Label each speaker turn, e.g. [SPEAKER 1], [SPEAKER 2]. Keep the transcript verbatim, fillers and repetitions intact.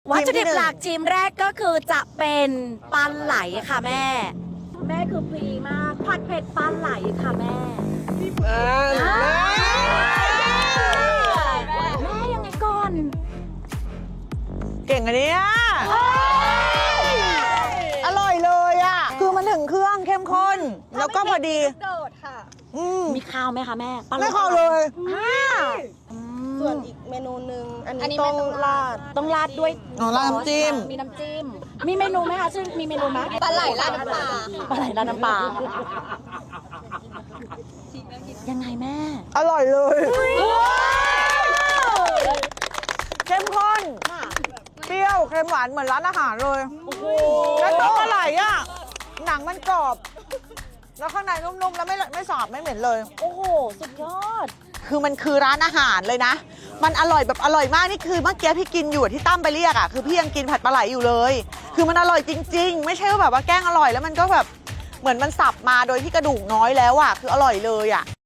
[SPEAKER 1] วัตถุดิบหลักทีมแรกก็คือจะเป็นปลาไหลค่ะแม่ แม่คือพรีมากผัดเผ็ดปลาไหลค่ะแม่แม่ยังไงก่อน
[SPEAKER 2] เก่งอันนี้อร่อยเลยอ่ะคือมันถึงเครื่องเข้มข้นแล้วก็พอดีโดดค่ะ
[SPEAKER 1] มีข้าวไหมคะแม่ปลาไหล
[SPEAKER 2] ไม่ข้าวเลย
[SPEAKER 3] ส่วนอีกเมนูหนึ่งอันนี้ต้องราด
[SPEAKER 1] ต้องราดด้วย
[SPEAKER 2] อ๋อราดน้ำจิ้ม
[SPEAKER 1] มีน้ำจิ้มมีเมนูไหมคะซึ่งมีเมนูไหม
[SPEAKER 3] ปลาไหลราดน้ำปลา
[SPEAKER 1] ปลาไหลราดน้ำปลายังไงแม่
[SPEAKER 2] อร่อยเลยเข้มข้นเปรี้ยวเค็มหวานเหมือนร้านอาหารเลยแล้วตัวปลาไหลอ่ะหนังมันกรอบแล้วข้างในนุ่มๆแล้วไม่ไม่สาบไม่เหม็นเลย
[SPEAKER 1] โอ้โหสุดยอด
[SPEAKER 2] คือมันคือร้านอาหารเลยนะมันอร่อยแบบอร่อยมากนี่คือเมื่อกี้พี่กินอยู่ที่ตั้มไปเรียกอ่ะคือพี่ยังกินผัดปลาไหลอยู่เลยคือมันอร่อยจริงๆไม่ใช่ว่าแบบว่าแกล้งอร่อยแล้วมันก็แบบเหมือนมันสับมาโดยที่กระดูกน้อยแล้วอ่ะคืออร่อยเลยอ่ะ